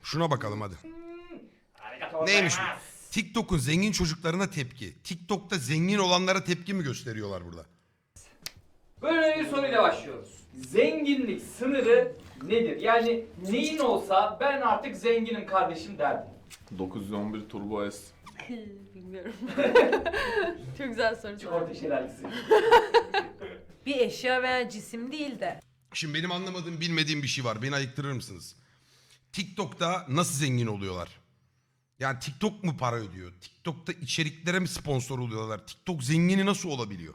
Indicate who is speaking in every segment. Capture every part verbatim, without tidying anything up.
Speaker 1: Şuna bakalım hadi.
Speaker 2: Arigatou
Speaker 1: Neymiş bu?
Speaker 2: gozaimasu.
Speaker 1: TikTok'un zengin çocuklarına tepki. TikTok'ta zengin olanlara tepki mi gösteriyorlar burada?
Speaker 2: Böyle bir soruyla başlıyoruz. Zenginlik sınırı nedir? Yani neyin olsa ben artık zenginim kardeşim derdim.
Speaker 3: dokuz yüz on bir Turbo S.
Speaker 4: Bilmiyorum. Çok güzel soru.
Speaker 2: Çikolata şelalesi.
Speaker 5: Bir eşya veya cisim değil de.
Speaker 1: Şimdi benim anlamadığım, bilmediğim bir şey var. Beni ayıktırır mısınız? TikTok'ta nasıl zengin oluyorlar? Yani TikTok mu para ödüyor? TikTok'ta içeriklere mi sponsor oluyorlar? TikTok zengini nasıl olabiliyor?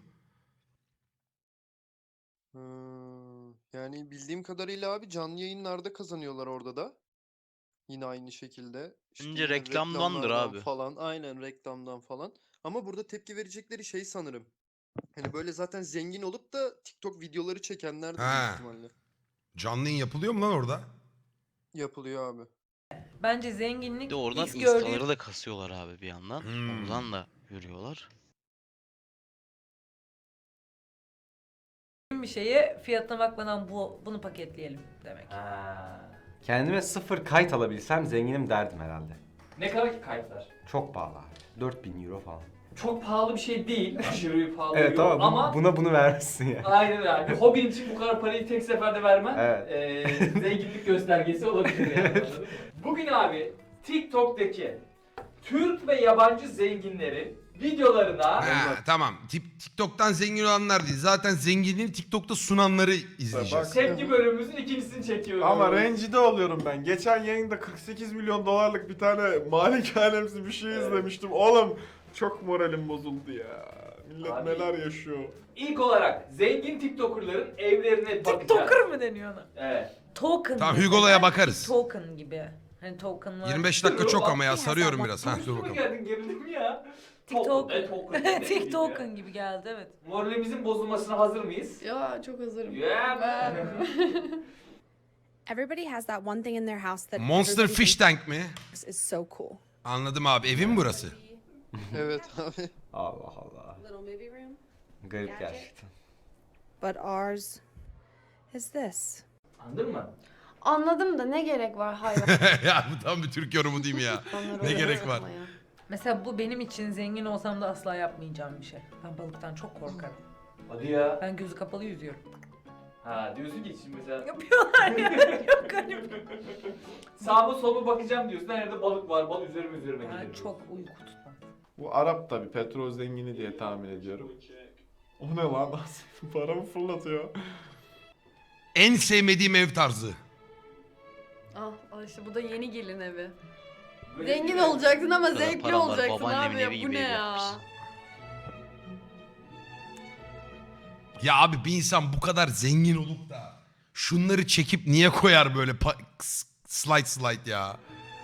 Speaker 6: Hmm, yani bildiğim kadarıyla abi canlı yayınlarda kazanıyorlar orada da. Yine aynı şekilde. İşte
Speaker 7: Bence
Speaker 6: yine
Speaker 7: reklamdandır
Speaker 6: reklamlardan
Speaker 7: abi.
Speaker 6: Falan. Aynen reklamdan falan. Ama burada tepki verecekleri şey sanırım. Hani böyle zaten zengin olup da TikTok videoları çekenler de
Speaker 1: Ha.
Speaker 6: büyük ihtimalle.
Speaker 1: Canlı yayın yapılıyor mu lan orada?
Speaker 6: Yapılıyor abi.
Speaker 5: Bence
Speaker 7: Bir
Speaker 5: zenginlik
Speaker 7: de oradan
Speaker 5: biz gördüğümüz
Speaker 7: instaları da kasıyorlar abi bir yandan.
Speaker 1: Hmm.
Speaker 7: Oradan da görüyorlar.
Speaker 5: bir şeye fiyatına bakmadan bu bunu paketleyelim demek.
Speaker 2: Ha.
Speaker 8: Kendime sıfır kayıt alabilsem zenginim derdim herhalde.
Speaker 2: Ne kadar ki kayıtlar?
Speaker 8: Çok pahalı abi. dört bin euro falan.
Speaker 2: Çok pahalı bir şey değil. Aşırı pahalı
Speaker 8: Evet
Speaker 2: yok.
Speaker 8: ama, bu-
Speaker 2: ama
Speaker 8: buna bunu vermişsin ya.
Speaker 2: aynen öyle. Bir hobin için bu kadar parayı tek seferde vermen
Speaker 8: Evet.
Speaker 2: eee, zenginlik göstergesi olabilir yani. Anladın mı? Bugün abi TikTok'taki Türk ve yabancı zenginlerin videolarına
Speaker 1: Ha, tamam. Tip- TikTok'tan zengin olanlar değil. Zaten zenginliğini TikTok'ta sunanları izleyeceğiz.
Speaker 2: tepki bölümümüzün ikincisini çekiyoruz.
Speaker 3: Ama rencide oluyorum ben. Geçen yayında kırk sekiz milyon dolarlık bir tane malikanemsi bir şey
Speaker 2: Evet.
Speaker 3: izlemiştim. Oğlum çok moralim bozuldu ya. Millet
Speaker 2: Abi.
Speaker 3: neler yaşıyor.
Speaker 2: İlk olarak zengin TikToker'ların evlerine bakacağız.
Speaker 5: TikToker mı deniyor ona?
Speaker 2: Evet.
Speaker 5: Token.
Speaker 1: Tamam,
Speaker 5: gibi.
Speaker 1: Hugo'la'ya
Speaker 5: Belki
Speaker 1: bakarız.
Speaker 5: Token gibi. Hani token var.
Speaker 1: yirmi beş dakika çok ama ya, sarıyorum
Speaker 5: Hesap
Speaker 1: biraz. Ha, dur
Speaker 2: Konuştu mu
Speaker 1: bakalım.
Speaker 2: geldin gerildim ya.
Speaker 5: TikTok.
Speaker 2: Ne token? Ne bileyim
Speaker 5: TikToken
Speaker 2: ya.
Speaker 5: gibi geldi evet.
Speaker 2: Moralimizin bozulmasına hazır mıyız?
Speaker 4: Ya çok hazırım.
Speaker 2: Yeah man.
Speaker 9: Everybody has that one thing in their house that
Speaker 1: Monster
Speaker 9: everybody
Speaker 1: Fish Tank mi?
Speaker 9: thinks is so cool.
Speaker 1: Anladım abi. Evin mi burası?
Speaker 6: Evet abi.
Speaker 8: Allah Allah.
Speaker 9: Little movie room.
Speaker 8: Garip gerçekten.
Speaker 9: But ours is this.
Speaker 2: Anladın mı?
Speaker 4: Anladım da ne gerek var hayvan.
Speaker 1: Ya bu tam bir Türk yorumu değil mi ya? Ne gerek var?
Speaker 5: Mesela bu benim için zengin olsam da asla yapmayacağım bir şey. Ben balıktan çok korkarım.
Speaker 2: Hadi ya.
Speaker 5: Ben gözü kapalı yüzüyorum.
Speaker 2: Ha diyorsun ki şimdi mesela
Speaker 5: Yapıyorlar ya. Çok garip.
Speaker 2: sağıma soluma bakacağım diyorsun. Her yerde balık var. Balık üzerime üzerime
Speaker 5: Ben
Speaker 2: gelir.
Speaker 5: çok uyku tutmam.
Speaker 3: Bu Arap tabi petrol zengini diye tahmin ediyorum. O ne lan? Paramı fırlatıyor.
Speaker 1: En sevmediğim ev tarzı.
Speaker 4: Ah, al işte bu da yeni gelin evi.
Speaker 2: Böyle
Speaker 4: Zengin
Speaker 2: bir-
Speaker 4: olacaksın ama
Speaker 7: Bu kadar
Speaker 4: zevkli
Speaker 7: param var,
Speaker 4: olacaksın
Speaker 7: babaannemin
Speaker 4: abi ya
Speaker 7: evi
Speaker 4: bu
Speaker 7: gibi
Speaker 4: ne
Speaker 7: ev
Speaker 4: ya?
Speaker 7: yapmışsın.
Speaker 1: Ya abi bir insan bu kadar zengin olup da şunları çekip niye koyar böyle pa- s- slide slide ya?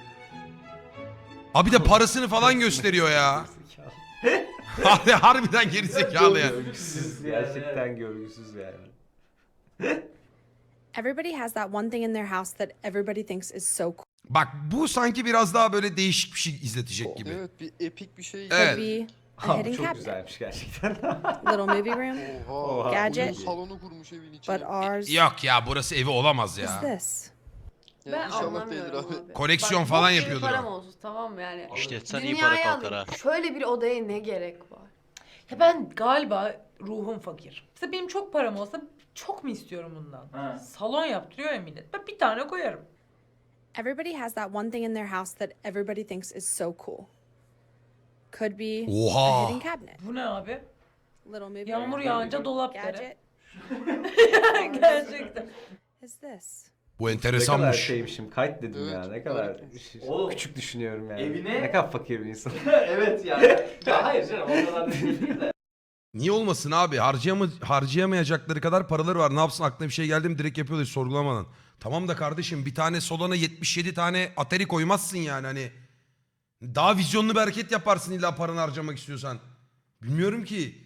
Speaker 1: Abi de parasını falan gösteriyor ya. Harbi- Harbiden gerizekalı yani.
Speaker 8: Görgüsüz, gerçekten görgüsüz yani.
Speaker 9: Everybody has that one thing in their house that everybody thinks is so cool.
Speaker 1: Bak bu sanki biraz daha böyle değişik bir şey izletecek gibi.
Speaker 6: Evet bir epik bir şey.
Speaker 1: Evet.
Speaker 9: Could be a
Speaker 8: Abi
Speaker 9: hidden
Speaker 8: çok
Speaker 9: cabinet.
Speaker 8: güzelmiş gerçekten.
Speaker 9: Little movie room.
Speaker 6: Oha.
Speaker 8: Oha.
Speaker 9: Gadget.
Speaker 6: Oyun salonu kurmuş evin içine.
Speaker 9: But ours
Speaker 1: Yok ya, burası evi olamaz
Speaker 9: is
Speaker 1: ya.
Speaker 9: this.
Speaker 6: Ya
Speaker 4: Ben
Speaker 6: inşallah değildir
Speaker 4: anlamıyorum
Speaker 6: abi.
Speaker 4: abi.
Speaker 1: Koleksiyon
Speaker 4: Bak,
Speaker 1: falan
Speaker 4: bok gibi
Speaker 1: yapıyordur
Speaker 4: param
Speaker 1: o.
Speaker 4: olsun tamam mı yani.
Speaker 7: İşletsen iyi
Speaker 4: Dünyaya
Speaker 7: para kalkar
Speaker 4: alayım.
Speaker 7: ha.
Speaker 4: Şöyle bir odaya ne gerek var?
Speaker 5: Ya ben galiba ruhum fakir. Mesela benim çok param olsa çok mu istiyorum bundan?
Speaker 2: Ha.
Speaker 5: Salon yaptırıyor ya millet. Ben bir tane koyarım.
Speaker 9: Everybody has that one thing in their house that everybody thinks is so cool. Could be a
Speaker 1: Oha.
Speaker 9: hidden cabinet.
Speaker 5: Bu ne abi?
Speaker 9: Little movie
Speaker 5: Yağmur
Speaker 9: room.
Speaker 5: yağınca dolap dere.
Speaker 9: Gadget
Speaker 5: Gerçekten.
Speaker 9: is this.
Speaker 1: Bu
Speaker 8: Ne kadar
Speaker 1: enteresanmış.
Speaker 8: şeymişim. Kayıt dedim
Speaker 6: Evet,
Speaker 8: ya. Ne kadar
Speaker 6: harika.
Speaker 2: Oğlum.
Speaker 8: küçük düşünüyorum yani.
Speaker 2: Evine-
Speaker 8: Ne kadar fakir bir insan.
Speaker 2: evet yani. Ya hayır canım o kadar da değil de.
Speaker 1: Niye olmasın abi? Harcayama harcayamayacakları kadar paraları var. Ne yapsın, aklına bir şey geldi mi direkt yapıyorlar hiç sorgulamadan. Tamam da kardeşim, bir tane Solana yetmiş yedi tane Atari koymazsın yani hani. Daha vizyonlu bir hareket yaparsın illa paranı harcamak istiyorsan. Bilmiyorum ki.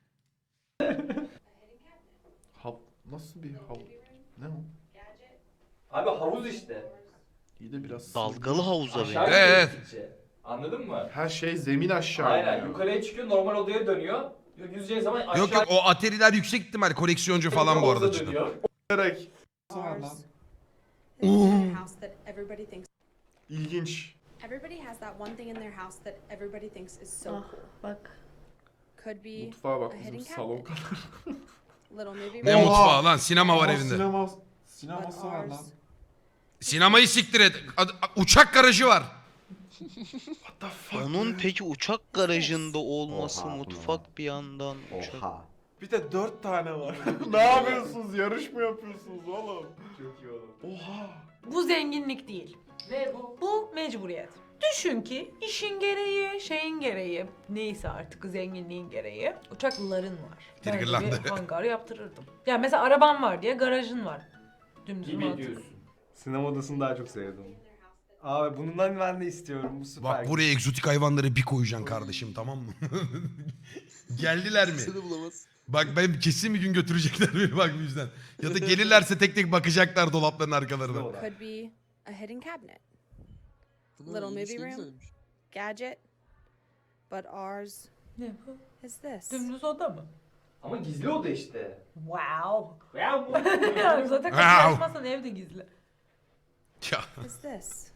Speaker 3: Hav nasıl bir hav? Ne o?
Speaker 2: Abi havuz işte.
Speaker 3: İyi de biraz
Speaker 7: Dalgalı havuza
Speaker 2: Aşağı
Speaker 7: benziyor.
Speaker 2: gidiyor
Speaker 1: Evet.
Speaker 2: gittikçe. Anladın mı?
Speaker 3: her şey zemin aşağı
Speaker 2: Aynen.
Speaker 3: iniyor.
Speaker 2: Yukarıya çıkıyor normal odaya dönüyor. Yüzeceği zaman aşağı
Speaker 1: Yok yok, o Atari'ler yüksek ihtimal koleksiyoncu falan bu arada
Speaker 2: havuza
Speaker 1: cidden.
Speaker 2: dönüyor.
Speaker 3: Direkt.
Speaker 9: Ours is in their house that everybody thinks.
Speaker 3: İlginç.
Speaker 9: Everybody has that one thing in their house that everybody thinks is so
Speaker 4: Ah,
Speaker 9: cool.
Speaker 4: bak.
Speaker 9: Could be
Speaker 3: Mutfağa bak
Speaker 9: a
Speaker 3: bizim
Speaker 9: hidden
Speaker 3: salon
Speaker 9: cabinet.
Speaker 3: kadar.
Speaker 9: Little movie
Speaker 1: Ne
Speaker 9: room,
Speaker 3: Oha!
Speaker 1: mutfağı lan, sinema var
Speaker 3: Aa,
Speaker 1: evinde.
Speaker 3: Sinema,
Speaker 9: but
Speaker 3: sineması var lan.
Speaker 9: ours
Speaker 1: Sinemayı siktir et. Ad- uçak garajı var.
Speaker 3: What the fuck?
Speaker 7: Onun
Speaker 3: man?
Speaker 7: peki uçak garajında olması,
Speaker 8: Oha, bu ne
Speaker 7: mutfak bir yandan, uçak.
Speaker 8: Oha.
Speaker 3: Bir de dört tane var. Ne yapıyorsunuz? Yarış mı yapıyorsunuz oğlum?
Speaker 8: Çok iyi oğlum.
Speaker 3: Oha.
Speaker 5: Bu zenginlik değil.
Speaker 2: Ne bu?
Speaker 5: Bu mecburiyet. Düşün ki işin gereği, şeyin gereği, neyse artık zenginliğin gereği uçakların var. Ben de
Speaker 1: Triggerlandı.
Speaker 5: bir hangar yaptırırdım. Ya mesela araban var diye garajın var. Dümdüz
Speaker 2: Gibi
Speaker 5: mantık.
Speaker 2: diyorsun.
Speaker 8: Sinema odasını daha çok sevdim. Abi bundan ben de istiyorum. Bu süper.
Speaker 1: Bak buraya egzotik hayvanları bir koyacaksın kardeşim, tamam mı? Geldiler mi?
Speaker 6: Seni bulamaz.
Speaker 1: Bak ben kesin bir gün götürecekler beni bak bu yüzden. Ya da gelirlerse tek tek bakacaklar dolapların arkalarına.
Speaker 8: Sinema oda.
Speaker 9: could be a hidden cabinet,
Speaker 6: Bunlar
Speaker 9: Little
Speaker 6: ilginç,
Speaker 9: movie
Speaker 6: ne
Speaker 9: room.
Speaker 6: güzelmiş.
Speaker 9: gadget, but ours
Speaker 5: Ne bu?
Speaker 9: is this.
Speaker 5: Dümdüz oda mı?
Speaker 2: Ama gizli oda işte.
Speaker 5: Wow.
Speaker 2: Ya bu.
Speaker 5: Yani zaten kapıyı
Speaker 1: Wow.
Speaker 5: açmazsan evde gizli.
Speaker 9: Is this.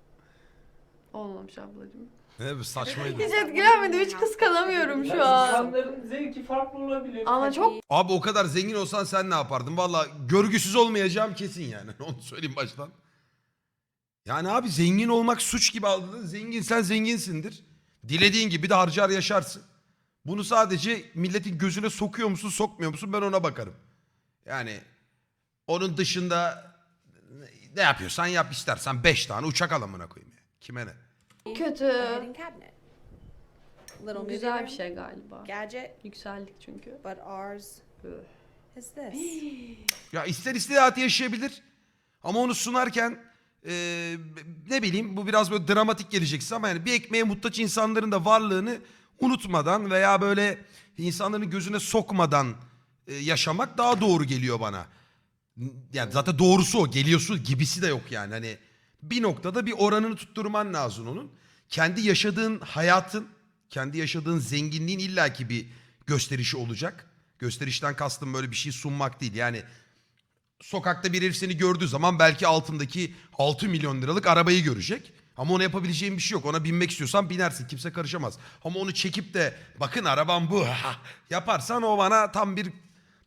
Speaker 4: Olmamış ablacığım.
Speaker 1: Ne bu saçmaydı.
Speaker 4: Hiç etkilenmedim. Hiç kıskanamıyorum şu an.
Speaker 2: İnsanların zevki farklı olabilir.
Speaker 4: Ama çok
Speaker 1: Abi o kadar zengin olsan sen ne yapardın? Valla görgüsüz olmayacağım kesin yani. Onu söyleyeyim baştan. Yani abi zengin olmak suç gibi aldın. Zengin sen zenginsindir. Dilediğin gibi de harcar yaşarsın. Bunu sadece milletin gözüne sokuyor musun sokmuyor musun ben ona bakarım. Yani onun dışında ne yapıyorsan yap, istersen beş tane uçak al amına koyayım ya. Kime ne?
Speaker 4: kötü.
Speaker 9: A hidden cabinet. Little
Speaker 4: Bu
Speaker 9: movie
Speaker 4: güzel
Speaker 9: room,
Speaker 4: bir şey galiba.
Speaker 9: gadget,
Speaker 4: Yükseldik çünkü.
Speaker 9: but ours
Speaker 4: Üh.
Speaker 9: is this.
Speaker 1: Ya ister ister hayatı yaşayabilir. Ama onu sunarken eee, ne bileyim bu biraz böyle dramatik geleceksin ama yani bir ekmeğe muhtaç insanların da varlığını unutmadan veya böyle insanların gözüne sokmadan e, yaşamak daha doğru geliyor bana. Yani zaten doğrusu o, geliyorsun gibisi de yok yani. Hani bir noktada bir oranını tutturman lazım onun. Kendi yaşadığın hayatın, kendi yaşadığın zenginliğin illaki bir gösterişi olacak. Gösterişten kastım böyle bir şey sunmak değil. Yani sokakta bir herif seni gördüğü zaman belki altındaki altı milyon liralık arabayı görecek. Ama ona yapabileceğin bir şey yok. Ona binmek istiyorsan binersin. Kimse karışamaz. Ama onu çekip de bakın arabam bu yaparsan o bana tam bir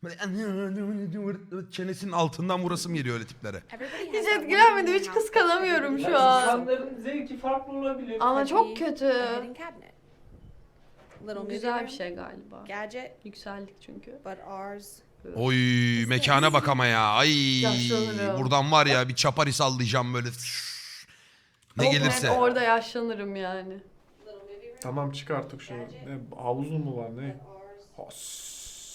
Speaker 1: böyle çenesinin altından vurasım geliyor öyle tiplere.
Speaker 9: Everybody
Speaker 4: Hiç
Speaker 9: has that one thing in
Speaker 4: etkilenmedim.
Speaker 9: their
Speaker 4: Hiç
Speaker 9: house that
Speaker 4: kıskanamıyorum
Speaker 9: everybody
Speaker 4: şu
Speaker 9: thinks is
Speaker 4: an.
Speaker 9: so
Speaker 2: İnsanların zevki farklı olabilir.
Speaker 4: Ama
Speaker 9: could
Speaker 4: çok
Speaker 9: be
Speaker 4: kötü.
Speaker 9: a hidden cabinet. Little
Speaker 4: Bu
Speaker 9: movie
Speaker 4: güzel
Speaker 9: room,
Speaker 4: bir şey galiba.
Speaker 9: gadget,
Speaker 4: Yükseldik çünkü.
Speaker 9: but ours
Speaker 1: Oy mekana bak ama ya. Ay
Speaker 4: Yaşlanırım.
Speaker 1: buradan var ya bir çapari sallayacağım böyle. Ne
Speaker 4: Çok net
Speaker 1: gelirse.
Speaker 4: orada yaşlanırım yani.
Speaker 3: Tamam çık artık şunu. Ne havuzu mu var ne? Has.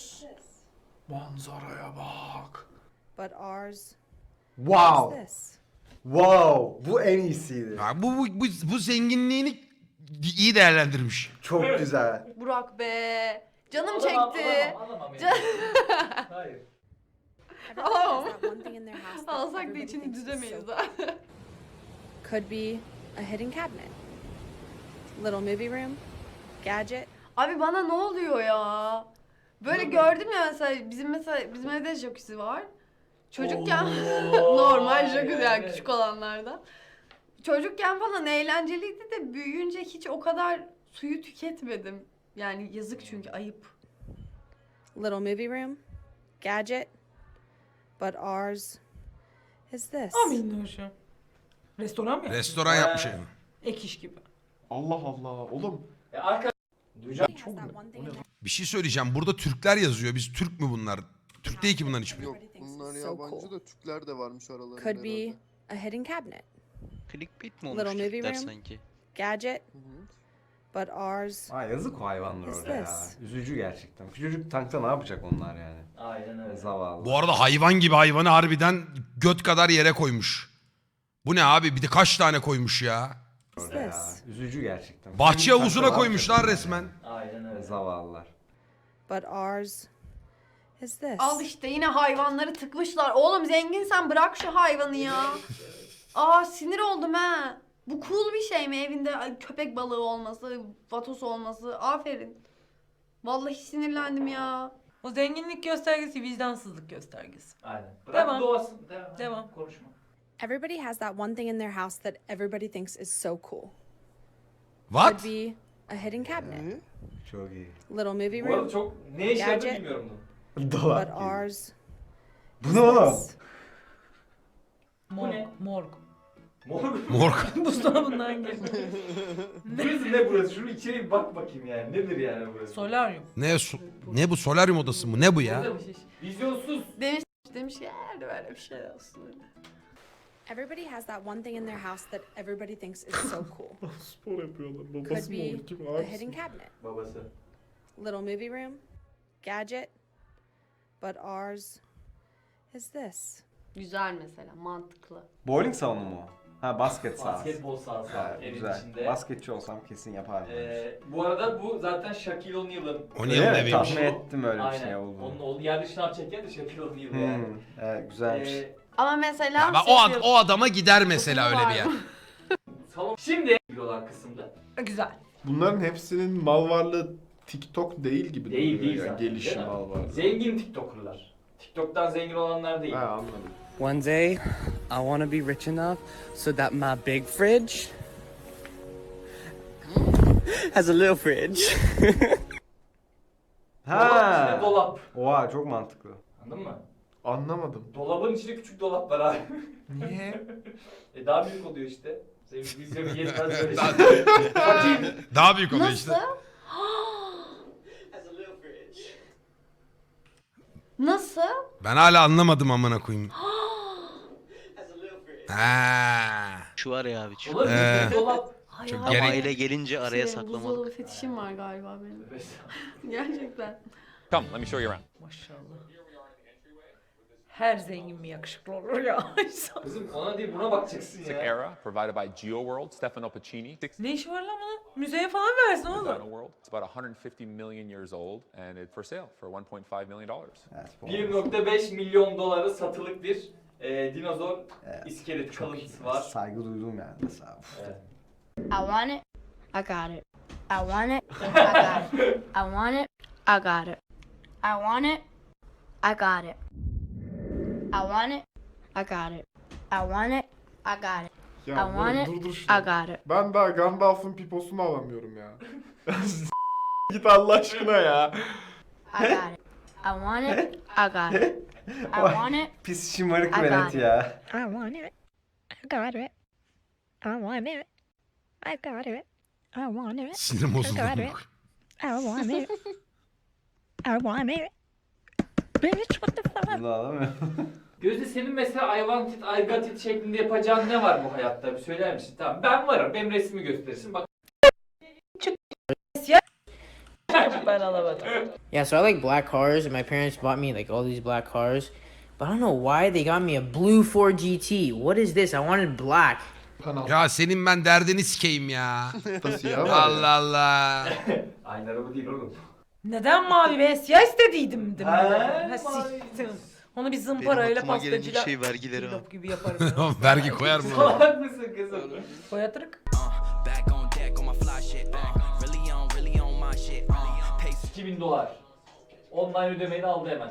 Speaker 3: Manzaraya bak.
Speaker 9: but ours
Speaker 8: Wow.
Speaker 9: is this.
Speaker 8: Wow. Bu en iyisiydi.
Speaker 1: Ya bu, bu, bu, bu zenginliğini iyi değerlendirmiş.
Speaker 8: Çok güzel.
Speaker 4: Burak be. Canım
Speaker 2: Alamam,
Speaker 4: çekti.
Speaker 2: alamam, alamam yani.
Speaker 4: Can-
Speaker 2: Hayır.
Speaker 9: Everybody has that one thing in their house that
Speaker 4: Alsak da
Speaker 9: everybody
Speaker 4: içini
Speaker 9: thinks is
Speaker 4: düzemeyiz
Speaker 9: so
Speaker 4: zaten.
Speaker 9: could be a hidden cabinet. Little movie room, gadget,
Speaker 4: Abi bana ne oluyor ya? Böyle gördüm ya mesela bizim mesela bizim evde jacuzzi var. Çocukken
Speaker 2: Oo,
Speaker 4: normal jacuzzi yani
Speaker 2: evet.
Speaker 4: küçük olanlardan. Çocukken falan eğlenceliydi de büyüyünce hiç o kadar suyu tüketmedim. Yani yazık çünkü ayıp.
Speaker 9: little movie room, gadget, but ours is this.
Speaker 5: Amin hoşum. Restoran mı?
Speaker 1: Restoran yapmış yani.
Speaker 5: Ek iş gibi.
Speaker 3: Allah Allah. Oğlum.
Speaker 2: E, arka... Duyacağım.
Speaker 9: Everybody has that one thing in their
Speaker 1: Bir şey söyleyeceğim. Burada Türkler yazıyor. Biz Türk mü bunlar? Türk değil ki bunların hiçbiri.
Speaker 6: Yok
Speaker 9: Everybody thinks
Speaker 6: bunlar
Speaker 9: it's so
Speaker 6: yabancı
Speaker 9: cool.
Speaker 6: da Türkler de varmış aralarında
Speaker 9: Could be
Speaker 6: herhalde.
Speaker 9: a hidden cabinet,
Speaker 7: Clickbait mi
Speaker 9: Little
Speaker 7: olmuş
Speaker 9: movie
Speaker 7: Türkler
Speaker 9: room.
Speaker 7: sanki?
Speaker 9: gadget,
Speaker 6: Hı hı.
Speaker 9: but ours
Speaker 8: Aa, yazık o hayvanlar
Speaker 9: Is
Speaker 8: orada ya.
Speaker 9: this?
Speaker 8: Üzücü gerçekten. Küçücük tankta ne yapacak onlar yani?
Speaker 2: Aynen öyle.
Speaker 8: Zavallı.
Speaker 1: Bu arada hayvan gibi hayvanı harbiden göt kadar yere koymuş. Bu ne abi? Bir de kaç tane koymuş ya?
Speaker 8: Orada ya.
Speaker 9: this?
Speaker 8: Üzücü gerçekten.
Speaker 1: Bahçe
Speaker 8: Küçücük
Speaker 1: havuzuna
Speaker 8: tankta ne
Speaker 1: koymuşlar
Speaker 8: yapacak
Speaker 1: resmen.
Speaker 2: Aynen öyle.
Speaker 8: yani? Zavallılar.
Speaker 9: but ours is this.
Speaker 4: Al işte yine hayvanları tıkmışlar. Oğlum zenginsen bırak şu hayvanı ya. Aa sinir oldum ha. Bu cool bir şey mi evinde ay, köpek balığı olması, vatos olması? Aferin. Vallahi sinirlendim ya.
Speaker 5: O zenginlik göstergesi vicdansızlık göstergesi.
Speaker 2: Aynen. Bırak
Speaker 5: Devam.
Speaker 2: doğasın. Devam.
Speaker 5: Devam.
Speaker 2: Konuşma.
Speaker 9: Everybody has that one thing in their house that everybody thinks is so cool.
Speaker 1: What?
Speaker 9: Could be a hidden cabinet,
Speaker 8: Çok iyi.
Speaker 9: little movie
Speaker 2: Bu arada
Speaker 9: room,
Speaker 2: çok ne işe yaradığını
Speaker 9: Gerçi-
Speaker 2: bilmiyorum bunu.
Speaker 9: but
Speaker 8: Dolap gibi.
Speaker 9: ours
Speaker 8: Bu
Speaker 9: is
Speaker 8: ne oğlum?
Speaker 9: this.
Speaker 5: Morg.
Speaker 2: ne?
Speaker 5: Morg.
Speaker 2: Mor.
Speaker 1: Morg.
Speaker 5: Buzdolabından geliyor.
Speaker 2: Burası ne burası? Şunu içeri bir bak bakayım yani. Nedir yani burası?
Speaker 5: Solaryum.
Speaker 1: Ne su- ne bu solaryum odası mı? Ne bu ya?
Speaker 2: Vizyonsuz.
Speaker 4: Demiş demiş ki "Eğer böyle bir şey olsun.
Speaker 9: Everybody has that one thing in their house that everybody thinks is so cool.
Speaker 3: Spor yapıyorlar.
Speaker 9: Could
Speaker 3: Babası mı
Speaker 9: be
Speaker 3: olur? Kim
Speaker 9: a
Speaker 3: abisi
Speaker 9: hidden
Speaker 3: mi?
Speaker 9: cabinet,
Speaker 2: Babası.
Speaker 9: little movie room, gadget, but ours is this.
Speaker 4: Güzel mesela, mantıklı.
Speaker 8: Bowling salonu mu? Ha basket sahası.
Speaker 2: Basketbol sahası
Speaker 8: Ha,
Speaker 2: var evin
Speaker 8: güzel.
Speaker 2: içinde.
Speaker 8: Basketçi olsam kesin yapardım.
Speaker 2: Ee, bu arada bu zaten Shaquille O'Neal'ın.
Speaker 1: O
Speaker 8: Öyle
Speaker 1: niye
Speaker 8: mi?
Speaker 1: eviymiş?
Speaker 8: Tahmin ettim öyle bir
Speaker 2: Aynen.
Speaker 8: şey olduğunu.
Speaker 2: Onun oğlu yerde şınav çeken de Shaquille O'Neal
Speaker 8: Hmm,
Speaker 2: yani.
Speaker 8: evet, güzelmiş.
Speaker 2: Ee,
Speaker 4: Ama mesela
Speaker 1: Ya ben o, ad- o adama gider mesela öyle bir yer.
Speaker 2: salon. Şimdi olan kısımda.
Speaker 5: Güzel.
Speaker 3: Bunların hepsinin mal varlığı TikTok değil gibi
Speaker 2: Değil,
Speaker 3: duruyor
Speaker 2: değil
Speaker 3: yani.
Speaker 2: zaten,
Speaker 3: Gelişim
Speaker 2: değil mi?
Speaker 3: mal varlığı.
Speaker 2: Zengin TikToker'lar. TikTok'tan zengin olanlar değil.
Speaker 3: Ha anladım.
Speaker 10: One day, I want to be rich enough so that my big fridge has a little fridge.
Speaker 2: Dolap içinde
Speaker 8: Ha.
Speaker 2: dolap.
Speaker 8: Oha çok mantıklı.
Speaker 2: Anladın mı?
Speaker 3: Anlamadım.
Speaker 2: Dolabın içinde küçük dolap var abi.
Speaker 3: Niye?
Speaker 2: e daha büyük oluyor işte. Senin vizyonu yetmez böyle
Speaker 1: Daha-
Speaker 2: şey. Bakayım.
Speaker 1: Daha büyük oluyor
Speaker 4: nasıl?
Speaker 1: işte.
Speaker 4: Nasıl?
Speaker 1: Ben hala anlamadım amına koyayım. Ha.
Speaker 7: Şu var ya abi. Şu.
Speaker 2: Dolabın
Speaker 1: Ee.
Speaker 2: içinde dolap.
Speaker 4: Ay,
Speaker 1: Çok
Speaker 4: ay,
Speaker 1: gerek-
Speaker 7: Aile gelince araya
Speaker 4: şey,
Speaker 7: saklamalık.
Speaker 4: buzdolabı fetişim var galiba benim. Gerçekten.
Speaker 11: Come, let me show you around.
Speaker 5: Maşallah. Her zengin mi yakışıklı olur ya?
Speaker 2: Kızım ona değil buna bakacaksın
Speaker 11: Classic
Speaker 2: ya.
Speaker 11: era provided by GeoWorld, Stefano Pacini. Six
Speaker 5: Ne işi var lan bunun? Müzeye falan versin oğlum.
Speaker 11: Dino World. It's about one hundred fifty million years old and it's for sale for one point five million dollars.
Speaker 8: Evet, bu
Speaker 2: bir
Speaker 8: olmaz.
Speaker 2: nokta beş milyon dolara satılık bir e, dinozor
Speaker 8: Evet,
Speaker 2: iskelet
Speaker 8: çok iyi.
Speaker 2: kalıntısı var.
Speaker 8: Saygı duydum yani mesela. Uf.
Speaker 2: Evet.
Speaker 12: I want it. I got it. I want it. I got it. I want it. I got it. I want it. I got it. I want it. I got it. I want it. I got it.
Speaker 3: Ya
Speaker 12: I want
Speaker 3: böyle
Speaker 12: it.
Speaker 3: dur dur
Speaker 12: I
Speaker 3: şunu.
Speaker 12: got it.
Speaker 3: Ben daha Gandalf'ın piposunu alamıyorum ya. Git Allah aşkına ya.
Speaker 12: I got it. I want it. I got it. I want it.
Speaker 8: Pis şımarık
Speaker 12: I
Speaker 8: velet
Speaker 12: got it.
Speaker 8: ya.
Speaker 12: I want it. I got it. I want it. I got it. I want it.
Speaker 1: Sinirim bozuldu.
Speaker 12: I got it. I want it. I want it. Bitch, what the fuck?
Speaker 8: Bunu alamıyorum.
Speaker 2: Gözde senin mesela I want it, I got it şeklinde yapacağın ne var bu hayatta? Bir söyler misin? Tamam ben varım. Benim resmi gösterirsin. Bak.
Speaker 5: Ben alamadım.
Speaker 10: Yeah, so I like black cars, and my parents bought me like all these black cars. But I don't know why they got me a blue Ford G T. What is this? I wanted black.
Speaker 1: Ya senin ben derdini sikeyim ya.
Speaker 3: Nasıl ya?
Speaker 1: Allah Allah.
Speaker 2: Aynı araba değil oğlum.
Speaker 5: Neden mavi ve siyah istediydim de.
Speaker 2: Ha,
Speaker 5: Ha,
Speaker 2: mavi.
Speaker 5: siktim. Onu bir
Speaker 7: Benim
Speaker 5: zımparayla
Speaker 7: aklıma gelen ilk
Speaker 5: pastacıyla
Speaker 7: şey vergileri abi.
Speaker 5: cillop gibi yaparım.
Speaker 1: Oğlum vergi koyar mı?
Speaker 2: Salak mısın kızım?
Speaker 5: Koyatırık. iki bin dolar. Online ödemeni aldı hemen.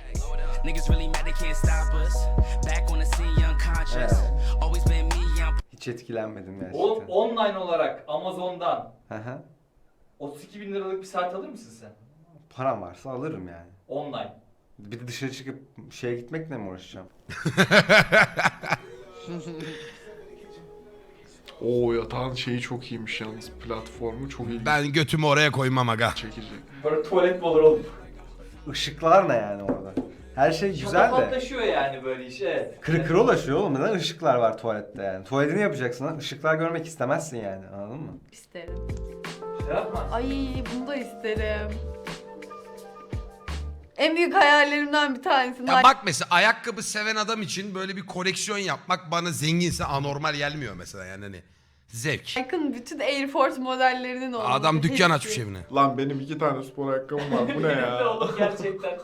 Speaker 8: Hiç etkilenmedim gerçekten.
Speaker 2: Oğlum online olarak Amazon'dan
Speaker 8: Hı hı.
Speaker 2: otuz iki bin liralık bir saat alır mısın sen?
Speaker 8: Param varsa alırım yani.
Speaker 2: Online.
Speaker 8: Bir de dışarı çıkıp şeye gitmekle mi uğraşacağım?
Speaker 3: Oo yatağın şeyi çok iyiymiş yalnız. Platformu çok iyi.
Speaker 1: Ben götümü oraya koymam aga.
Speaker 3: Çekici.
Speaker 2: Böyle tuvalet mi olur oğlum?
Speaker 8: Işıklar ne yani orada? Her şey güzel de.
Speaker 2: Şatafatlaşıyor yani böyle iş evet.
Speaker 8: Kırı kırı ulaşıyor oğlum. Neden ışıklar var tuvalette yani? Tuvaletini yapacaksın lan. Işıklar görmek istemezsin yani. Anladın mı?
Speaker 4: İsterim.
Speaker 2: Şey yapma.
Speaker 4: Ay bunu da isterim. En büyük hayallerimden bir tanesi.
Speaker 1: Ya bak mesela ayakkabı seven adam için böyle bir koleksiyon yapmak bana zenginse anormal gelmiyor mesela yani hani. Zevk.
Speaker 4: Nike'ın bütün Air Force modellerinin olması.
Speaker 1: Adam dükkan
Speaker 4: hepsi.
Speaker 1: açmış evine.
Speaker 3: Lan benim iki tane spor ayakkabım var. Bu ne
Speaker 2: Ne
Speaker 3: ya?
Speaker 2: oğlum gerçekten.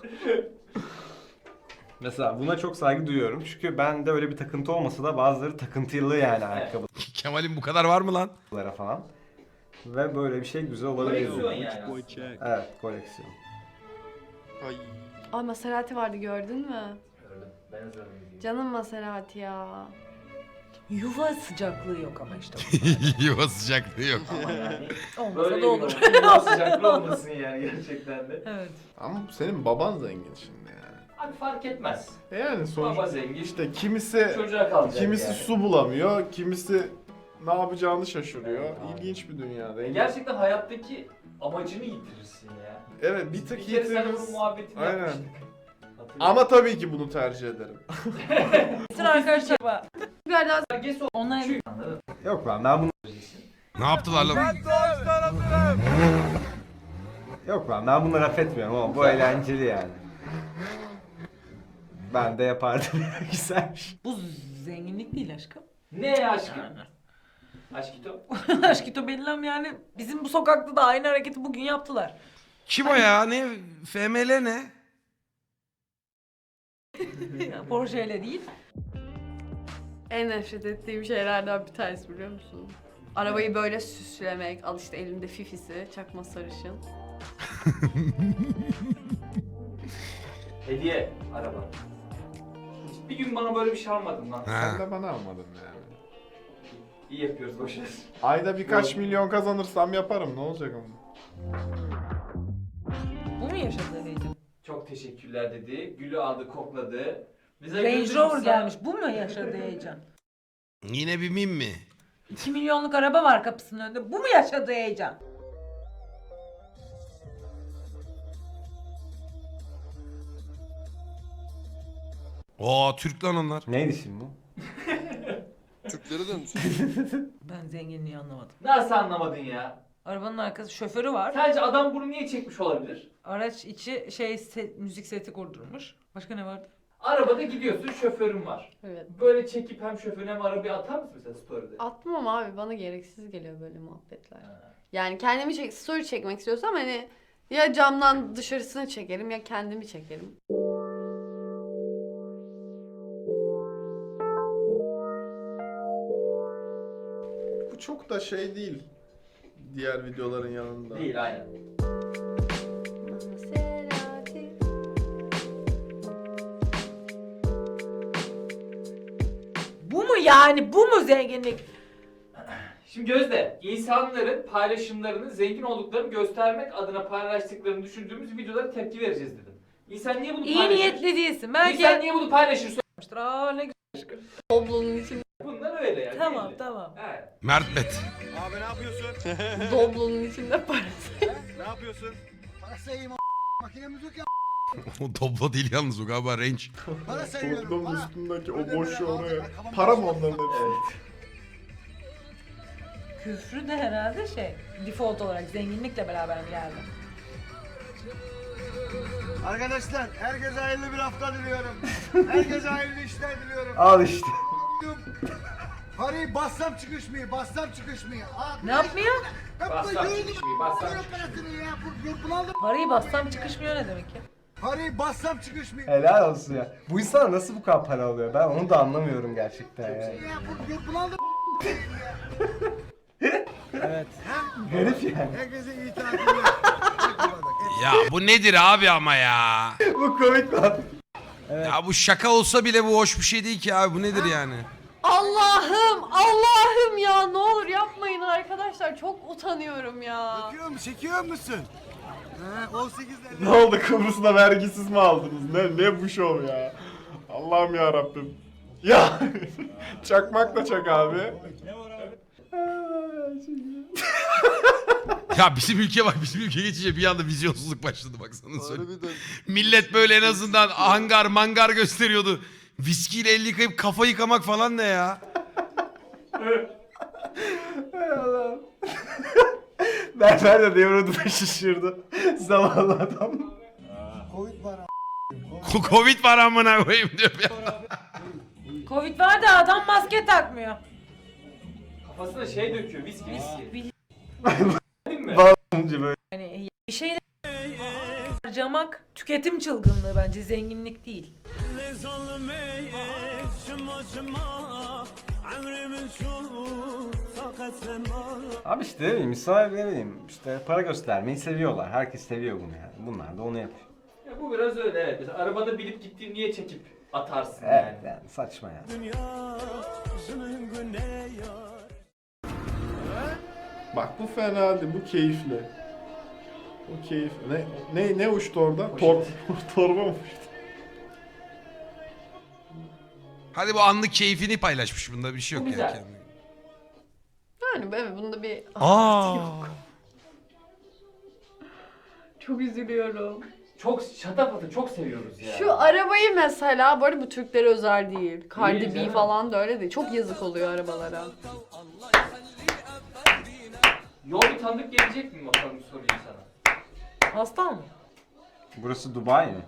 Speaker 8: Mesela buna çok saygı duyuyorum. Çünkü bende öyle bir takıntı olmasa da bazıları takıntılı yani ayakkabılara
Speaker 1: Kemal'in bu kadar var mı lan?
Speaker 8: falan. Ve böyle bir şey güzel olabilir.
Speaker 2: Koleksiyon yani aslında.
Speaker 8: Evet, koleksiyon.
Speaker 6: Ay.
Speaker 4: Ay Maserati vardı gördün mü?
Speaker 2: Gördüm. Ben hazırladım.
Speaker 4: Canım Maserati ya.
Speaker 5: Yuva sıcaklığı yok ama işte.
Speaker 1: Yuva sıcaklığı yok.
Speaker 2: Ama yani
Speaker 5: Olmasa
Speaker 2: böyle
Speaker 5: da olur.
Speaker 2: bir yuva sıcaklığı olmasın yani gerçekten de.
Speaker 5: Evet.
Speaker 3: Ama senin baban zengin şimdi yani.
Speaker 2: Abi fark etmez.
Speaker 3: E Yani sonuçta
Speaker 2: Baba zengin.
Speaker 3: işte kimisi
Speaker 2: Çocuğa kalacak
Speaker 3: kimisi
Speaker 2: yani.
Speaker 3: su bulamıyor, kimisi ne yapacağını şaşırıyor. İlginç bir dünyada.
Speaker 2: E gerçekten hayattaki amacını yitirirsin ya.
Speaker 3: Evet, bir tık
Speaker 2: Bir kere sen
Speaker 3: yitiririz.
Speaker 2: bunun muhabbetini
Speaker 3: Aynen.
Speaker 2: yapmıştık. Hatırlıyorum.
Speaker 3: Ama tabii ki bunu tercih ederim.
Speaker 5: Bütün arkadaşlar
Speaker 4: Bir daha
Speaker 2: Herkes o
Speaker 5: Onlar
Speaker 2: Çünkü- Anladın?
Speaker 8: Yok lan ben bunu
Speaker 1: Ne yaptılar lan?
Speaker 8: Yok lan ben bunu laf etmiyorum ama bu eğlenceli yani. Ben de yapardım. Güzelmiş.
Speaker 5: bu zenginlik değil aşkım.
Speaker 2: Ne aşkım? Aşkito.
Speaker 5: Aşkito belirlem yani bizim bu sokakta da aynı hareketi bugün yaptılar.
Speaker 1: Kim o ya? Ne? F M L ne?
Speaker 5: Porsche ile değil.
Speaker 4: En nefret ettiğim şeylerden bir tanesi biliyor musun? Arabayı böyle süslemek, al işte elimde fifisi, çakma sarışın.
Speaker 2: Hediye araba. Bir gün bana böyle bir şey almadın lan.
Speaker 3: Sen
Speaker 1: Ha.
Speaker 3: de bana almadın yani.
Speaker 2: İyi yapıyoruz boşver.
Speaker 3: Ayda birkaç milyon kazanırsam yaparım, ne olacak ama.
Speaker 5: Bu mu yaşadığı heyecan?
Speaker 2: Çok teşekkürler dedi. Gülü aldı, kokladı. Bize
Speaker 5: Range
Speaker 2: gözü
Speaker 5: Rover
Speaker 2: kısa-
Speaker 5: gelmiş. Bu mu yaşadığı heyecan?
Speaker 1: Yine bir mim mi?
Speaker 5: iki milyonluk araba var kapısının önünde. Bu mu yaşadığı heyecan?
Speaker 1: Oo Türk lan onlar.
Speaker 8: Neydi şimdi bu?
Speaker 6: Türklere dönmüş.
Speaker 5: Ben zenginliği anlamadım.
Speaker 2: Nasıl anlamadın ya?
Speaker 5: Arabanın arkası şoförü var.
Speaker 2: Sence adam bunu niye çekmiş olabilir?
Speaker 5: Araç içi şey set- müzik seti kurdurmuş. Başka ne vardı?
Speaker 2: Arabada gidiyorsun, şoförün var.
Speaker 4: Evet.
Speaker 2: Böyle çekip hem şoförüne hem arabayı atar mısın mesela story'de?
Speaker 4: Atmam abi, bana gereksiz geliyor böyle muhabbetler. Yani kendimi çek, story çekmek istiyorsam hani ya camdan dışarısını çekerim ya kendimi çekerim.
Speaker 3: Bu çok da şey değil. Diğer videoların yanında.
Speaker 2: Değil, aynen.
Speaker 5: Bu mu yani? Bu mu zenginlik?
Speaker 2: Şimdi Gözde, insanların paylaşımlarını zengin olduklarını göstermek adına paylaştıklarını düşündüğümüz videolara tepki vereceğiz dedim. İnsan niye bunu
Speaker 5: İyi
Speaker 2: paylaşır?
Speaker 5: niyetli değilsin. Belki...
Speaker 2: İnsan niye bunu paylaşır?
Speaker 5: Aa ne güzel.
Speaker 4: Doblonun içinde,
Speaker 2: Bunlar öyle yani.
Speaker 5: Tamam
Speaker 2: belli.
Speaker 5: tamam.
Speaker 2: Evet.
Speaker 1: Mert Bet.
Speaker 4: doblonun içinde parası.
Speaker 1: O Doblo değil yalnız o galiba Range.
Speaker 3: Toplumun üstündeki o boşu oraya. Para mı onların hepsi?
Speaker 5: Küfrü de herhalde şey, default olarak zenginlikle beraber mi geldi?
Speaker 13: Arkadaşlar herkese hayırlı bir hafta diliyorum. Herkese hayırlı işler diliyorum.
Speaker 8: Al işte.
Speaker 13: Parayı bassam çıkışmıyor, bassam çıkışmıyor. Aa,
Speaker 5: Ne yapmıyor?
Speaker 2: Bassam çıkışmıyor, bassam
Speaker 13: çıkışmıyor. Ya, bu, bu, bunaldım.
Speaker 5: Parayı bassam çıkışmıyor ne demek ya?
Speaker 13: Parayı bassam çıkışmıyor.
Speaker 8: Helal olsun ya. Bu insan nasıl bu kadar para alıyor? Ben onu da anlamıyorum gerçekten yani.
Speaker 13: Ya, bu, bu, bunaldım.
Speaker 8: Garip yani.
Speaker 13: Herkese iyi tatiller.
Speaker 1: Ya bu nedir abi ama ya?
Speaker 8: Bu komik lan.
Speaker 1: Ya bu şaka olsa bile bu hoş bir şey değil ki abi. Bu nedir yani?
Speaker 4: Allah'ım, Allah'ım ya, ne olur yapmayın arkadaşlar, çok utanıyorum ya.
Speaker 13: Çekiyor musun? Çekiyor musun? He, on sekizlerde.
Speaker 3: Ne oldu, Kıbrıs'ta vergisiz mi aldınız? Ne ne bu şov ya? Allah'ım ya Rabbim. Ya çakmak da çak abi.
Speaker 1: Ya bizim ülke bak bizim ülke geçince bir anda vizyonsuzluk başladı baksana söyleyeyim.
Speaker 6: Harbiden.
Speaker 1: Millet böyle en azından hangar mangar gösteriyordu. Viskiyle el yıkayıp kafa yıkamak falan ne ya?
Speaker 8: Hay Allah'ım. Berber de devroduna şişirdi. Zavallı adam.
Speaker 13: Covid var.
Speaker 1: Covid var amına koyayım diyor ya.
Speaker 5: Covid var da adam maske takmıyor.
Speaker 2: Kafasına şey döküyor, viski viski.
Speaker 5: Bil-
Speaker 2: Değil mi?
Speaker 8: Baloncu böyle.
Speaker 5: Hani bir şeyler harcamak tüketim çılgınlığı bence, zenginlik değil.
Speaker 8: Abi işte ne bileyim, insanlar ne bileyim işte para göstermeyi seviyorlar. Herkes seviyor bunu yani. Bunlar da onu yapıyor.
Speaker 2: Ya bu biraz öyle evet. Mesela arabada bilip gittiğini niye çekip atarsın
Speaker 8: Evet
Speaker 2: yani.
Speaker 8: yani saçma ya.
Speaker 3: Bak bu fena değil, bu keyifli. Bu keyif. Ne ne ne uçtu orada? Tor torba mı uçtu?
Speaker 1: Hadi bu anlık keyfini paylaşmış. Bunda bir şey
Speaker 2: Bu
Speaker 1: yok yani.
Speaker 2: güzel.
Speaker 1: kendine.
Speaker 4: Yani evet bunda bir...
Speaker 1: Aa.
Speaker 4: Çok üzülüyorum.
Speaker 2: Çok şatafatı çok seviyoruz ya.
Speaker 4: Şu arabayı mesela, bu arada bu Türklere özel değil.
Speaker 2: Değil,
Speaker 4: Cardi B
Speaker 2: canım.
Speaker 4: falan da öyle değil. Çok yazık oluyor arabalara.
Speaker 2: Yol bir tanıdık gelecek mi bakalım sorayım sana.
Speaker 5: Hasta mı?
Speaker 8: Burası Dubai mi?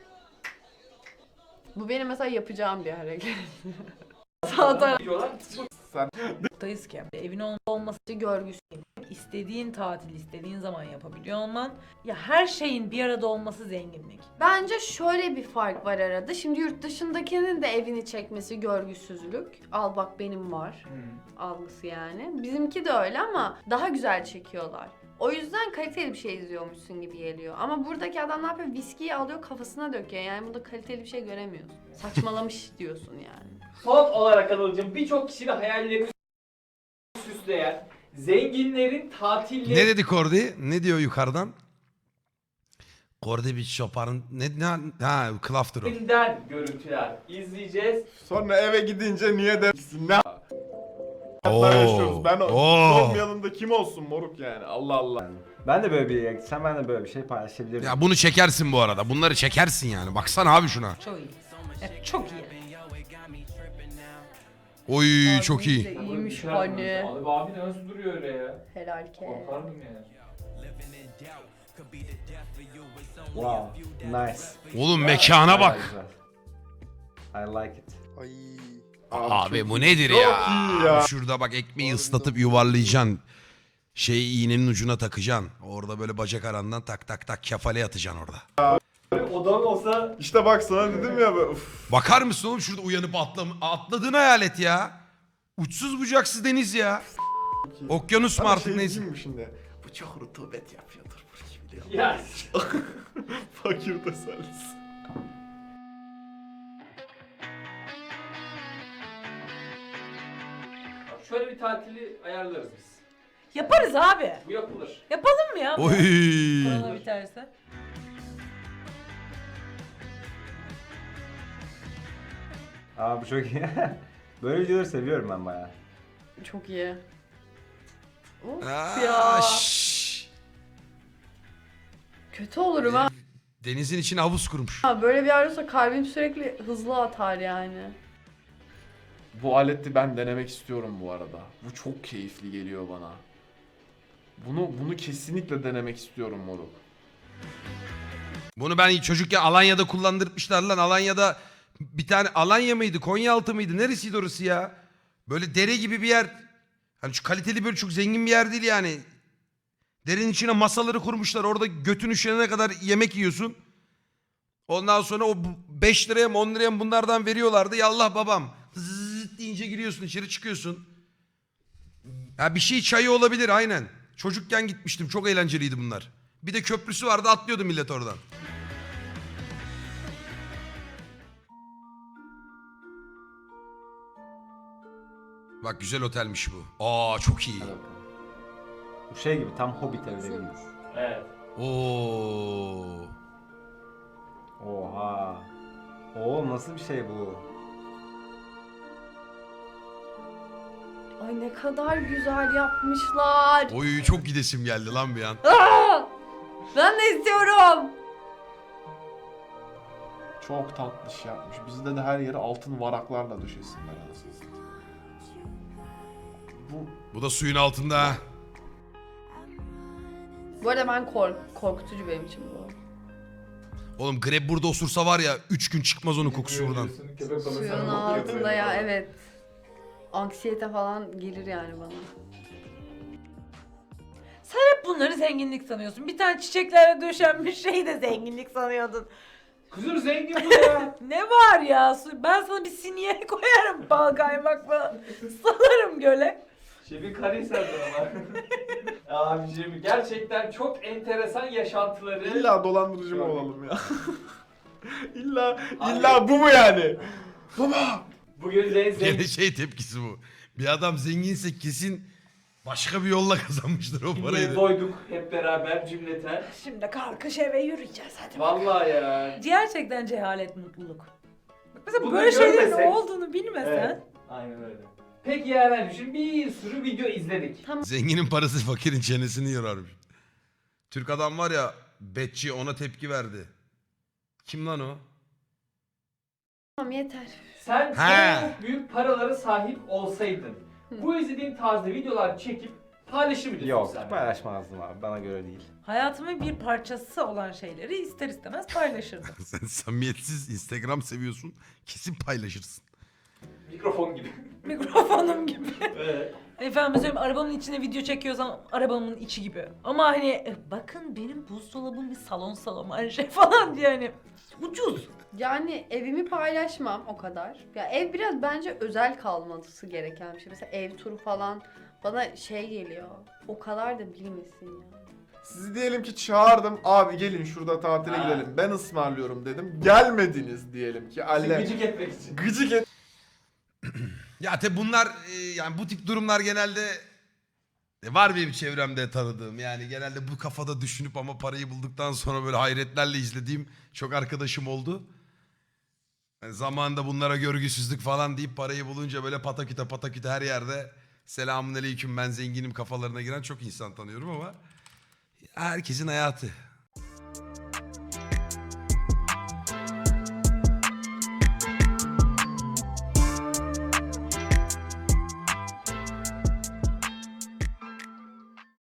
Speaker 4: Bu benim mesela yapacağım bir hareket. Sağ taraf
Speaker 2: Diyorlar.
Speaker 5: Buradayız ki evin ol- olması
Speaker 4: görgüsü.
Speaker 5: istediğin tatil istediğin zaman yapabiliyor olman. Ya her şeyin bir arada olması zenginlik.
Speaker 4: Bence şöyle bir fark var arada. Şimdi yurt dışındakinin de evini çekmesi görgüsüzlük. Al bak benim var.
Speaker 2: Hmm.
Speaker 4: Algısı yani. Bizimki de öyle ama daha güzel çekiyorlar. O yüzden kaliteli bir şey izliyormuşsun gibi geliyor. Ama buradaki adam ne yapıyor? Viskiyi alıyor kafasına döküyor. Yani burada kaliteli bir şey göremiyorsun. Saçmalamış diyorsun yani.
Speaker 2: Son olarak Anıl'cığım birçok kişinin hayallerini süsleyen zenginlerin tatilleri
Speaker 1: Ne dedi Kordi? Ne diyor yukarıdan? Kordi bir şoparın... Ne, ne, ha Klafter o.
Speaker 2: Filmden görüntüler izleyeceğiz.
Speaker 3: Sonra eve gidince niye dersin? Ne
Speaker 1: Oo,
Speaker 3: hayatlar yaşıyoruz? Ben o
Speaker 1: oo.
Speaker 3: sormayalım da kim olsun moruk yani? Allah Allah.
Speaker 8: Ben de böyle bir yere gitsem ben de böyle bir şey paylaşabilirim.
Speaker 1: Ya bunu çekersin bu arada. Bunları çekersin yani. Baksana abi şuna.
Speaker 5: Çok iyi. Evet, çok iyi.
Speaker 1: Oy çok iyi.
Speaker 4: İyiymiş
Speaker 2: Abi,
Speaker 4: hani.
Speaker 2: Abi, abi nasıl duruyor öyle ya?
Speaker 4: Helal ke.
Speaker 2: Korkar mıyım yani?
Speaker 8: Wow. Nice.
Speaker 1: Oğlum mekana
Speaker 8: Bayağı
Speaker 1: bak.
Speaker 8: güzel. I like it.
Speaker 6: Ay.
Speaker 1: Abi bu nedir
Speaker 3: Çok
Speaker 1: ya?
Speaker 3: iyi ya.
Speaker 1: Şurada bak ekmeği ıslatıp yuvarlayacaksın. Şey iğnenin ucuna takacaksın. Orada böyle bacak arandan tak tak tak kefale atacaksın orada.
Speaker 2: Odam olsa
Speaker 3: İşte bak sana dedim ya. be, Uf.
Speaker 1: Bakar mısın oğlum şurada uyanıp atlam atladığın hayal et ya. Uçsuz bucaksız deniz ya. Okyanus mu
Speaker 3: Ama
Speaker 1: artık
Speaker 3: şey
Speaker 1: neyse.
Speaker 3: diyeyim mi şimdi? Bu çok rutubet yapıyordur bu gibi diyor.
Speaker 2: ya
Speaker 3: Fakir tesellisi.
Speaker 2: Bak şöyle bir tatili ayarlarız biz.
Speaker 5: Yaparız abi.
Speaker 2: Bu yapılır.
Speaker 5: Yapalım mı ya?
Speaker 1: Oy.
Speaker 5: Korona biterse.
Speaker 8: Aa bu çok iyi. Böyle videoları seviyorum ben bayağı.
Speaker 4: Çok iyi. Of
Speaker 1: Aa,
Speaker 4: ya.
Speaker 1: şşş.
Speaker 4: Kötü olurum ha.
Speaker 1: Denizin içine havuz kurmuş.
Speaker 4: Ha, böyle bir yer olsa kalbim sürekli hızlı atar yani.
Speaker 3: Bu aleti ben denemek istiyorum bu arada. Bu çok keyifli geliyor bana. Bunu bunu kesinlikle denemek istiyorum moruk.
Speaker 1: Bunu ben çocukken Alanya'da kullandırmışlar lan. Alanya'da bir tane Alanya mıydı? Konyaaltı mıydı? Neresiydi orası ya? Böyle dere gibi bir yer. Hani şu kaliteli böyle çok zengin bir yer değil yani. Derenin içine masaları kurmuşlar. Orada götün üşenene kadar yemek yiyorsun. Ondan sonra o beş liraya mı on liraya mı bunlardan veriyorlardı. Yallah babam. Zıt deyince giriyorsun içeri çıkıyorsun. Ha bir şey çayı olabilir aynen. Çocukken gitmiştim. Çok eğlenceliydi bunlar. Bir de köprüsü vardı atlıyordu millet oradan. Bak güzel otelmiş bu. Aa çok iyi.
Speaker 8: Hadi bakalım. Bu şey gibi tam Hobbit evleri gibi.
Speaker 2: Evet.
Speaker 1: Oo.
Speaker 8: Oha. Oo nasıl bir şey bu?
Speaker 4: Ay ne kadar güzel yapmışlar.
Speaker 1: Oy çok gidesim geldi lan bir an.
Speaker 4: Aa! Ben de istiyorum.
Speaker 3: Çok tatlış yapmış. Bizde de her yere altın varaklarla döşesinler anasını satayım. Bu
Speaker 1: Bu da suyun altında. ha.
Speaker 4: Bu arada ben kork korkutucu benim için bu.
Speaker 1: Oğlum greb burada osursa var ya üç gün çıkmaz onun kokusu buradan.
Speaker 4: Suyun altında ya evet. Anksiyete falan gelir yani bana.
Speaker 5: Sen hep bunları zenginlik sanıyorsun. Bir tane çiçeklerle döşenmiş şeyi de zenginlik sanıyordun.
Speaker 2: Kızım zengin bu ya.
Speaker 5: Ne var ya? Su- Ben sana bir sinye koyarım bal kaymakla. Salarım göle.
Speaker 2: Şefin Karahisar'da ama. Abiciğim gerçekten çok enteresan yaşantıları.
Speaker 3: illa dolandırıcı mı olalım ya? İlla illa bu mu yani? Baba.
Speaker 2: Bugün zen-
Speaker 1: Gene
Speaker 2: zengin
Speaker 1: şey tepkisi bu. Bir adam zenginse kesin başka bir yolla kazanmıştır o parayı.
Speaker 2: diye
Speaker 1: da.
Speaker 2: doyduk hep beraber cümleten.
Speaker 5: Şimdi kalkış eve yürüyeceğiz hadi.
Speaker 2: Vallahi ya.
Speaker 5: Gerçekten cehalet mutluluk. Bak mesela
Speaker 2: Bunları
Speaker 5: böyle şeylerin
Speaker 2: görmesek-
Speaker 5: olduğunu bilmesen.
Speaker 2: Evet. Aynen öyle. Peki ya ben düşün bir sürü video izledik.
Speaker 1: Zenginin parası fakirin çenesini yorarmış. Türk adam var ya betçi ona tepki verdi. Kim lan o?
Speaker 4: Tamam yeter.
Speaker 2: Sen
Speaker 1: He.
Speaker 2: çok büyük paralara sahip olsaydın bu izlediğin tarzda videolar çekip paylaşır mıydın?
Speaker 8: Yok
Speaker 2: sosyal medyada?
Speaker 8: paylaşmazdım abi bana göre değil.
Speaker 5: Hayatımın bir parçası olan şeyleri ister istemez paylaşırdım.
Speaker 1: Sen samimiyetsiz Instagram seviyorsun. Kesin paylaşırsın.
Speaker 2: Mikrofon gibi.
Speaker 5: Mikrofonum gibi.
Speaker 2: Evet.
Speaker 5: Efendim söyleyeyim arabamın içine video çekiyorsam arabamın içi gibi. Ama hani e, bakın benim buzdolabım bir salon salon her şey falan diye hani ucuz.
Speaker 4: Yani evimi paylaşmam o kadar. Ya ev biraz bence özel kalması gereken bir şey. Mesela ev turu falan bana şey geliyor. O kadar da bilmesin ya.
Speaker 3: Sizi diyelim ki çağırdım. Abi gelin şurada tatile
Speaker 2: Ha.
Speaker 3: gidelim. Ben ısmarlıyorum dedim. Gelmediniz diyelim ki. Alle.
Speaker 2: Gıcık etmek için.
Speaker 3: Gıcık et.
Speaker 1: Ya tabi bunlar e, yani bu tip durumlar genelde e, var benim çevremde tanıdığım. Yani genelde bu kafada düşünüp ama parayı bulduktan sonra böyle hayretlerle izlediğim çok arkadaşım oldu. Yani zamanında bunlara görgüsüzlük falan deyip parayı bulunca böyle pataküte pataküte her yerde selamun aleyküm ben zenginim kafalarına giren çok insan tanıyorum ama herkesin hayatı.